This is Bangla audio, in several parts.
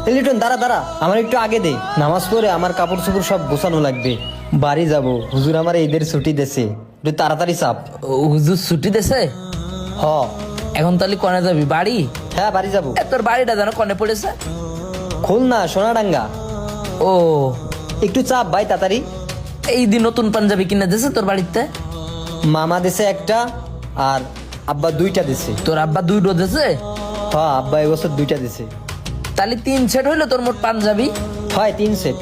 লিটন দাঁড়া দাঁড়া, আমার একটু আগে দে। নামাজ পড়ে আমার কাপড় চোপড় সব গোছানো লাগবে, বাড়ি যাব। হুজুর আমার ঈদের ছুটি দেছে, একটু তাড়াতাড়ি চাপ। হুজুর ছুটি দেছে? হ। এখন তাহলে কনে যাবি? বাড়ি? হ্যাঁ বাড়ি যাব। তোর বাড়িটা যেন কনে পড়েছে? খুলনা সোনাডাঙ্গা। ও, একটু চাপ ভাই তাড়াতাড়ি। এই দিন নতুন পাঞ্জাবি কিনে দিয়েছে তোর বাড়িতে? মামা দেছে একটা, আর আব্বা দুইটা দিছে। তোর আব্বা দুইটো দিয়েছে? হ্যাঁ আব্বা এবছর দুইটা দিছে। তাহলে 3 সেট হইলো তোর মোট পাঞ্জাবি? হয় 3 সেট।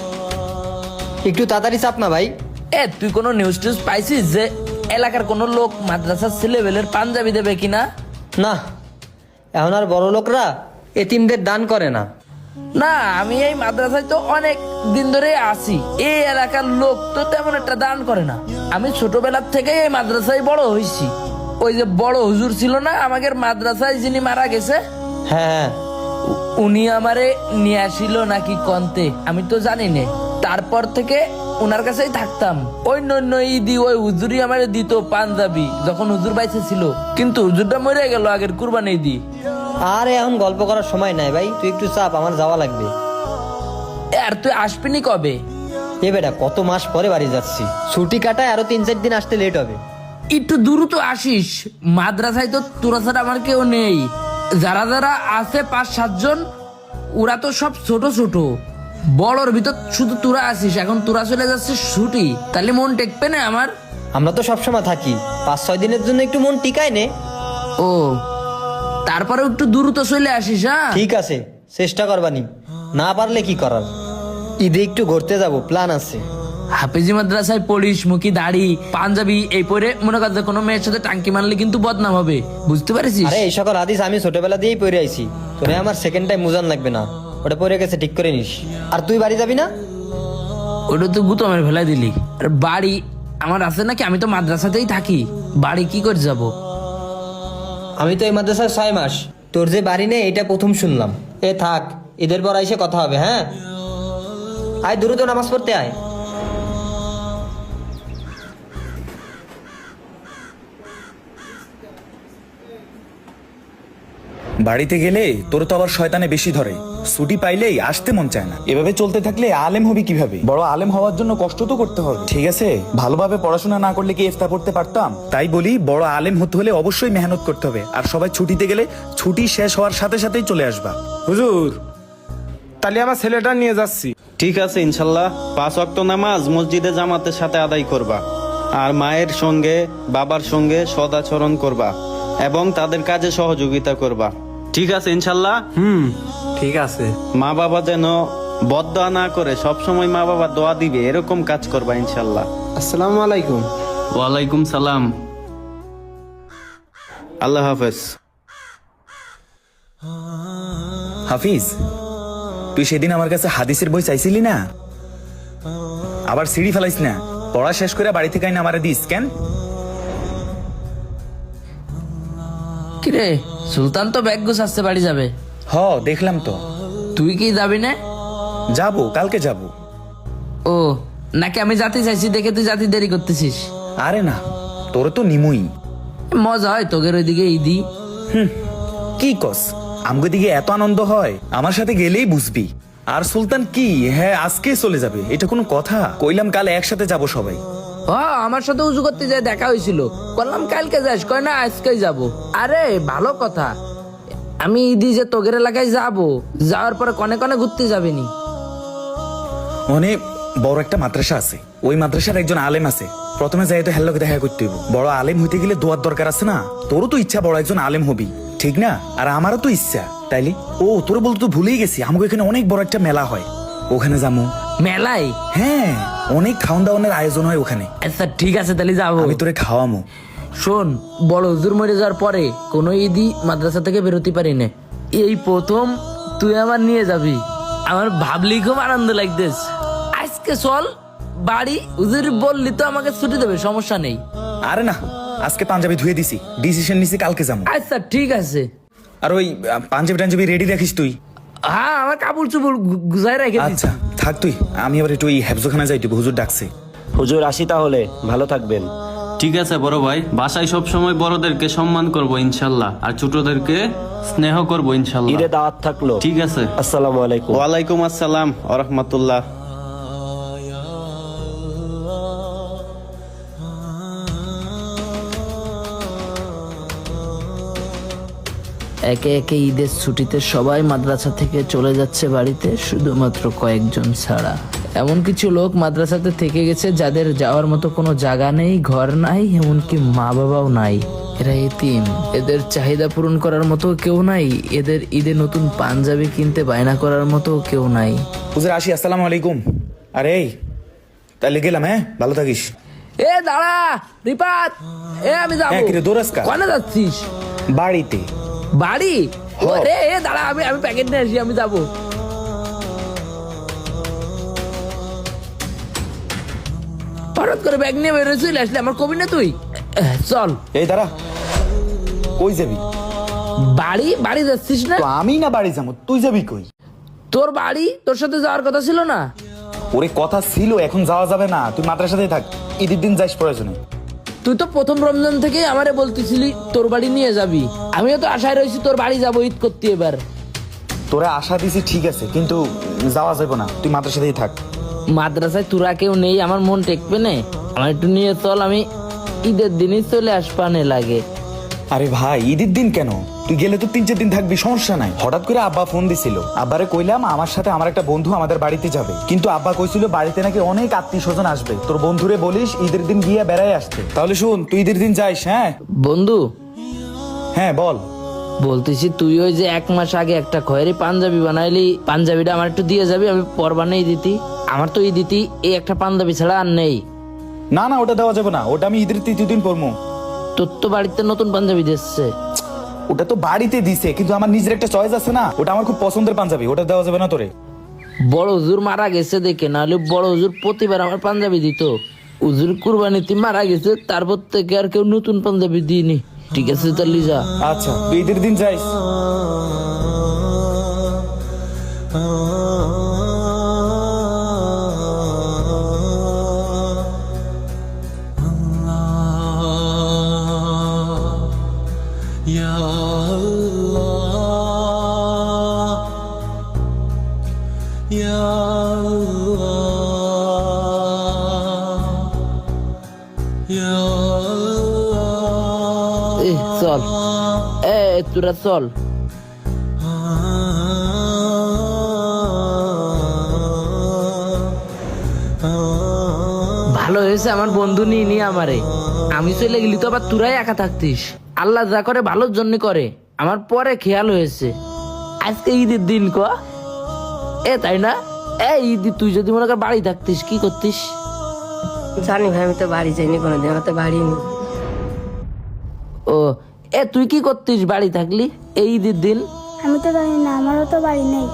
একটু তাড়াতাড়ি চাপ না ভাই। তুই কোনো নিউজ টিউজ পাইছিস যে এলাকার কোনো লোক মাদ্রাসার ছেলেবেলের পাঞ্জাবি দেবে কিনা? না, এখন আর বড় লোকরা এতিমদের দান করে না। না, আমি এই মাদ্রাসায় তো অনেক দিন ধরে আছি, এই এলাকার লোক তো তেমন একটা দান করে না। আমি ছোটবেলার থেকে এই মাদ্রাসায় বড় হয়েছি। ওই যে বড় হুজুর ছিল না আমাদের মাদ্রাসায়, যিনি মারা গেছে, হ্যাঁ হ্যাঁ, উনি আমারে নিয়ে আসিল নাকি কন্তে, আমি তো জানি না। তারপর থেকে ওনার কাছেই থাকতাম। ওই নন্য ঈদি ওই হুজুরই আমারে দিত পাঞ্জাবি, যখন হুজুর বাইসে ছিল। কিন্তু হুজুরটা মরে গেল আগের কুরবানি ঈদি। আরে এখন গল্প করার সময় নাই ভাই, তুই একটু চাপ, আমার যাওয়া লাগবে। আর তুই আসবিনি কবে? এ বেটা কত মাস পরে বাড়ি যাচ্ছি, ছুটি কাটায় আরো 3-4 দিন আসতে লেট হবে। একটু দ্রুত আসিস, মাদ্রাসায় তো তোরা ছাড়া আমার কেউ নেই। যারা যারা আছে 5-7 জন, ওরা তো সব ছোট ছোট। বড়র ভিতর শুধু তোরা আসিস, এখন তোরা চলে যাচ্ছিস ছুটি, তাহলে মন টেকবে না আমার? আমরা তো সবসময় থাকি, 5-6 দিনের জন্য একটু মন টিকায় নে। ও, তারপরে একটু দ্রুত চলে আসিস। হ্যাঁ ঠিক আছে, চেষ্টা করবানি, না পারলে কি করার। ঈদে একটু ঘুরতে যাব, প্ল্যান আছে। হাফেজি মাদ্রাসায় পড়িস, মুখি দাড়ি পাঞ্জাবি এই পরে মনে কর যে কোনো মেয়ের সাথে টাঙ্কি মারলে কিন্তু বদনাম হবে, বুঝতে পারিস? আরে এই সকল হাদিস আমি ছোটবেলা দিয়েই পড়ে আইছি, তোরে আমার সেকেন্ড টাইম মুজান লাগবে না, ওটা পড়ে গেছে, ঠিক করে নিস। আর তুই বাড়ি যাবি না? ওটা তো গুতমের ফেলাই দিলি। আর বাড়ি আমার আছে নাকি? আমি তো মাদ্রাসাতেই থাকি, বাড়ি কি করে যাব? আমি তো এই মাদ্রাসায় 6 মাস, তোর যে বাড়ি নেই এটা প্রথম শুনলাম। এ থাক, ঈদের পর আইসে কথা হবে। হ্যাঁ আয়, দ্রুত নামাজ পড়তে আয়। বাড়িতে গেলে তোর তো আবার শয়তানে বেশি ধরে, ছুটি পাইলেই আসতে মন চায় না। এভাবে চলতে থাকলে আলেম হবি কিভাবে? বড় আলেম হওয়ার জন্য কষ্ট তো করতে হবে, ঠিক আছে? ভালোভাবে পড়াশোনা না করলে কি ইফতা পড়তে পারতাম? তাই বলি, বড় আলেম হতে হলে অবশ্যই মেহনত করতে হবে। আর সবাই ছুটিতে গেলে ছুটি শেষ হওয়ার সাথে সাথেই চলে আসবা। হুজুর, তাহলে আমার ছেলেটা নিয়ে যাচ্ছি। ঠিক আছে, ইনশাল্লাহ 5 ওয়াক্ত নামাজ মসজিদে জামাতের সাথে আদায় করবা, আর মায়ের সঙ্গে বাবার সঙ্গে সদাচরণ করবা এবং তাদের কাজে সহযোগিতা করবা। ঠিক আছে ইনশাল্লাহ? ঠিক আছে। মা বাবা যেন বদদোয়া না করে, সবসময় মা বাবা দোয়া দিবে এরকম কাজ করবা ইনশাল্লাহ। আসসালামু আলাইকুম। ওয়ালাইকুম সালাম। আল্লাহ হাফেজ। হাফিজ, তুই সেদিন আমার কাছে হাদিসের বই চাইছিলি না? আবার সিঁড়ি ফেলাইস না, পড়া শেষ করে বাড়ি থেকে আইনা আমারে দিস কেন? কিরে, সুলতান তো ব্যাগ গুছাচ্ছে বাড়ি যাবে। হ, দেখলাম তো। তুই কি যাবি না? যাবো, কালকে যাবো। ও, নাকি আমি জাতি চাইছি দেখে তুই জাতি দেরি করতেছিস? আরে না, তোর তো নিমুই। মজা হয় তোদের ওইদিকে ঈদি? কি কস, আমগো দিকে এত আনন্দ হয়, আমার সাথে গেলেই বুঝবি। আর সুলতান কি, হ্যাঁ আজকে চলে যাবে, এটা কোনো কথা? কইলাম কাল একসাথে যাব সবাই। আমার সাথে উজু করতে যায় দেখা হয়েছিল, বললাম কালকে যাস, কয় না আজকেই যাব। আরে ভালো কথা, আমি ঈদি যে তোগের এলাকায় যাব, যাওয়ার পরে কনে কনে ঘুরতে যাবিনি? অনেক বড় একটা মাদ্রাসা আছে, ওই মাদ্রাসার একজন আলেম আছে। প্রথমে যাই তো হেল্লোকে দেখা করতে হইব। বড় আলেম হইতে গেলে দোয়ার দরকার আছে না? তোরও তো ইচ্ছা বড় একজন আলেম হবি, ঠিক না? আর আমারও তো ইচ্ছা, তাইলে ও তোর বলতে তো ভুলেই গেছি, আমাকে এখানে অনেক বড় একটা মেলা হয়, ওখানে যাবো। মেলায়? হ্যাঁ, অনেক খাওয়ান দাওয়ানের আয়োজন হয় ওখানে। আচ্ছা ঠিক আছে, তাহলে যাবো। আমি তোরে খাওয়ামো। শোন, বড় হুজুর মরে যাওয়ার পরে কোনো ঈদই মাদ্রাসা থেকে বেরোতে পারি না, এই প্রথম তুই আমার নিয়ে যাবি। আমার ভাবলি খুব আনন্দ লাগতেছে। আজকে চল বাড়ি, হুজুর বললি তো আমাকে ছুটি দেবে, সমস্যা নেই। আরে না, আজকে পাঞ্জাবি ধুয়ে দিছি, ডিসিশন নিছি কালকে যাবো। আচ্ছা ঠিক আছে। আর ওই পাঞ্জাবি টাঞ্জাবি রেডি রাখিস তুই। হ্যাঁ, আমার কাপড় চোপড় গুজাই রেখে দিচ্ছি। আচ্ছা থাক তুই, আমি আবার একটু ওই হেফজোখানা যাই, হুজুর ডাকছে। হুজুর আসি তাহলে, ভালো থাকবেন। ঠিক আছে বড় ভাই, বাসায় সব সময় বড়দেরকে সম্মান করব ইনশাল্লাহ, আর ছোটদেরকে স্নেহ করব ইনশাল্লাহ। ঈদে দাওয়াত থাকলো। ঠিক আছে। আসসালামু আলাইকুম। ওয়ালাইকুম আসসালাম ওয়া রাহমাতুল্লাহ। একে একে ঈদের ছুটিতে সবাই মাদ্রাসা থেকে চলে যাচ্ছে বাড়িতে, শুধুমাত্র কয়েকজন ছাড়া। এমন কিছু লোক মাদ্রাসাতে থেকে গেছে যাদের যাওয়ার মতো কোনো জায়গা নেই, ঘর নাই, এমনকি মা বাবাও নাই। এরা এতিম, এদের চাহিদা পূরণ করার মতো কেউ নাই, এদের ঈদে নতুন পাঞ্জাবি কিনতে বায়না করার মতো কেউ নাই। হুজুর আসি, আসসালামু আলাইকুম। আরে তাহলে গেলাম, হ্যাঁ ভালো থাকিস। এ দাঁড়া রিপাত, আমি যাবো। হ্যাঁ, কিরে দৌড়াস কা? কোনে যাচ্ছিস? বাড়িতে। বাড়ি? রে দাঁড়া, আমি প্যাকেট নিয়ে আসি, আমি যাবো। হঠাৎ করে ব্যাগ নিয়ে বেরোয় চলে আসলে, আমার কবি না তুই? চল। এই দাঁড়া, কই যাবি? বাড়ি যাচ্ছিস না? তো আমি না বাড়ি যাবো, তুই যাবি কই? তোর বাড়ি, তোর সাথে যাওয়ার কথা ছিল না? ওরে কথা ছিল, এখন যাওয়া যাবে না, তুই মাদ্রাসাতেই থাক, ঈদের দিন যাইস প্রয়োজনে। তুই তো প্রথম রমজান থেকে আমারে বলতেছিলি তোর বাড়ি নিয়ে যাবি, আমিও তো আশায় রয়েছি তোর বাড়ি যাবো ঈদ করতে। এবার তোরা আশা দিছি ঠিক আছে, কিন্তু যাওয়া যাবে না, তুই মাদ্রাসাতেই থাক। মাদ্রাসায় তোরা কেউ নেই, আমার মন টেকবে না, আমার একটু নিয়ে চল, আমি ঈদের দিনই চলে আসবানে লাগে। আরে ভাই, ঈদের দিন কেন? তুই গেলে তো 3-4 দিন থাকবি, সমস্যা নাই। হঠাৎ করে আব্বা ফোন দিছিল, আব্বারে কইলাম আমার সাথে আমার একটা বন্ধু আমাদের বাড়িতে যাবে, কিন্তু আব্বা কইছিল বাড়িতে নাকি অনেক আত্মীয় স্বজন আসবে, তোর বন্ধুরে বলিস ঈদের দিন গিয়ে বেড়াই আসতে। তাহলে শুন, তুই ঈদের দিন যাইস। হ্যাঁ বন্ধু, হ্যাঁ বল। বলতেছি তুই ওই যে 1 মাস আগে একটা খয়েরি পাঞ্জাবি বানাইলি, পাঞ্জাবিটা আমার একটু দিয়ে যাবি, আমি পর বানাই দিতি। আমার তো ঈদ দিতি এই একটা পাঞ্জাবি ছাড়া আর নেই। না না, ওটা দেওয়া যাবে না, ওটা আমি ঈদের 3য় দিন পরবো। তোর তো বাড়িতে নতুন পাঞ্জাবি দিচ্ছে। ওটা তো বাড়িতে দিছে, কিন্তু আমার নিজের একটা চয়েস আছে না, ওটা আমার খুব পছন্দের পাঞ্জাবি, ওটা দেওয়া যাবে না তোরে। বড় হুজুর মারা গেছে দেখে, নাহলে বড় হুজুর প্রতিবার আমার পাঞ্জাবি দিত। হুজুর কুরবানিতে মারা গেছে, তারপর থেকে আর কেউ নতুন পাঞ্জাবি দিইনি। ঠিক আছে তাহলে যা। আচ্ছা, তুই ঈদের দিন যাইস। চল, তোরা চল। ভালো হয়েছে আমার বন্ধু নিয়ে আমারে, আমি চলে গেলি তো আবার তোরাই একা থাকতিস। আল্লাহ যা করে ভালোর জন্য করে, আমার পরে খেয়াল হয়েছে আজকে ঈদের দিন ক তাই না? ঈদ তুই যদি মনে কর বাড়ি থাকতিস কি করতিস? জানি ভাই, আমি তো বাড়ি যাইনি কোনোদিন, আমার তো বাড়ি নেই। ও তুই কি করতিস বাড়ি থাকলি এই ঈদের দিন? আমি তো জানি না, আমারও তো বাড়ি নেই।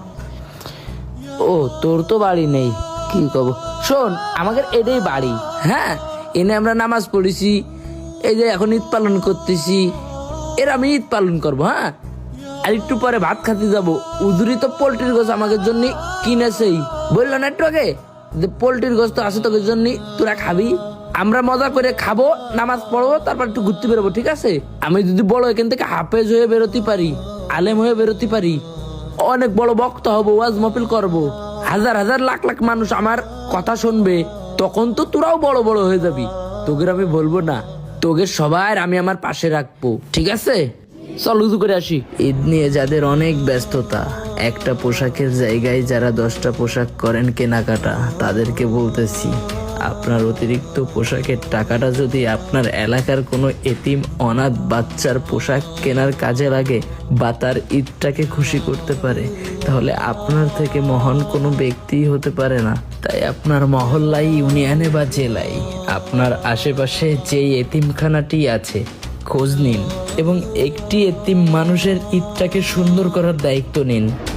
ও তোর তো বাড়ি নেই, কি কব। শোন, আমাদের এটাই বাড়ি। হ্যাঁ, এনে আমরা নামাজ পড়েছি, এই যে এখন ঈদ পালন করতেছি, এর আমি ঈদ পালন করবো। হ্যাঁ, আর একটু পরে ভাত খাতে যাবো। উজুরি তো পোল্ট্রির গোছ আমাদের জন্য কিনেছেই, বললো না একটু আগে যে পোল্ট্রির গোছ তো আছে তোদের জন্য, তোরা খাবি। আমরা মজা করে খাবো, নামাজ পড়বো, তারপর একটু ঘুরতে বেরোবো। ঠিক আছে? আমি যদি বড় এখান থেকে হাফেজ হয়ে বেরোতে পারি, আলেম হয়ে বেরোতে পারি, অনেক বড় বক্তা হবো, ওয়াজ মাহফিল করবো, হাজার হাজার লাখ লাখ মানুষ আমার কথা শুনবে, তখন তো তোরাও বড় বড় হয়ে যাবি। তোকে আমি বলবো না, তোকে সবার আমি আমার পাশে রাখবো। ঠিক আছে? চল উজু করে আসি। ঈদ নিয়ে যাদের অনেক ব্যস্ততা, একটা পোশাকের জায়গায় যারা 10টা পোশাক করেন কেনাকাটা, তাদেরকে বলতেছি আপনার অতিরিক্ত পোশাকের টাকাটা যদি আপনার এলাকার কোনো এতিম অনাথ বাচ্চার পোশাক কেনার কাজে লাগে বা তার ঈদটাকে খুশি করতে পারে, তাহলে আপনার থেকে মহান কোনো ব্যক্তিই হতে পারে না। তাই আপনার মহল্লায়, ইউনিয়নে বা জেলায় আপনার আশেপাশে যেই এতিমখানাটি আছে খোঁজ নিন এবং একটি এতিম মানুষের ঈদটাকে সুন্দর করার দায়িত্ব নিন।